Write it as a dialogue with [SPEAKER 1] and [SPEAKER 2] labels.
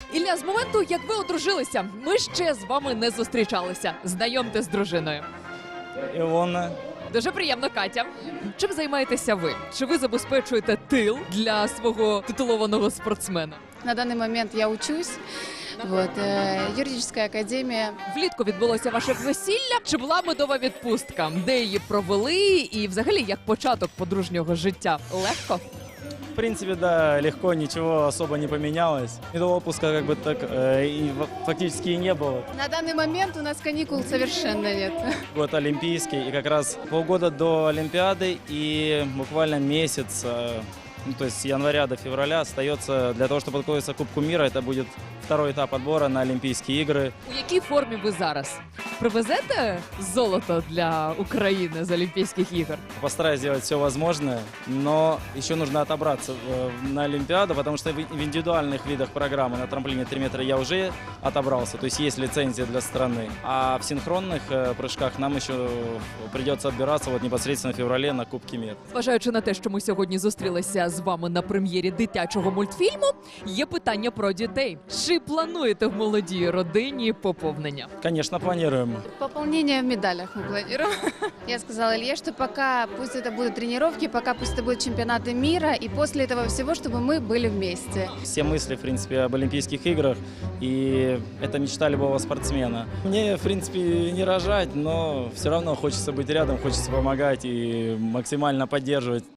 [SPEAKER 1] Ілля, з моменту, як ви одружилися, ми ще з вами не зустрічалися. Знайомте з дружиною.
[SPEAKER 2] Ілона.
[SPEAKER 1] Дуже приємно, Катя. Чим займаєтеся ви? Чи ви забезпечуєте тил для свого титулованого спортсмена?
[SPEAKER 3] На данный момент я учусь. Вот, юридическая академия.
[SPEAKER 1] Влітку відбулося ваше весілля. Чи була медова відпустка? Де її провели? І взагалі, як початок подружнього життя? Легко?
[SPEAKER 2] В принципе, да, легко, ничего особо не поменялось. И до отпуска как бы так фактически и не было.
[SPEAKER 3] На данный момент у нас каникул совершенно нет.
[SPEAKER 2] Год олимпийский, и как раз полгода до Олимпиады и буквально месяц, ну, то есть с января до февраля остается для того, чтобы подготовиться к Кубку мира. Это будет второй этап отбора на Олимпийские игры.
[SPEAKER 1] У якій формі ви зараз? Привезете золото для України з Олімпійських ігор?
[SPEAKER 2] Постараюсь сделать все возможное, но еще нужно отобраться на Олимпиаду, потому что в индивидуальных видах программы на трамплине 3 метра я уже отобрался, то есть есть лицензия для страны. А в синхронных прыжках нам еще придется отбираться вот непосредственно в феврале на Кубке мира.
[SPEAKER 1] Зважаючи на те, що ми сьогодні зустрілися з вами на прем'єрі дитячого мультфільму, є питання про дітей. Чи плануєте в молодій родині поповнення?
[SPEAKER 2] Конечно, планируем.
[SPEAKER 3] Пополнение в медалях мы планируем. Я сказала Илье, что пока пусть это будут тренировки, пока пусть это будут чемпионаты мира, и после этого всего, чтобы мы были вместе.
[SPEAKER 2] Все мысли, в принципе, об Олимпийских играх, и это мечта любого спортсмена. Мне, в принципе, не рожать, но все равно хочется быть рядом, хочется помогать и максимально поддерживать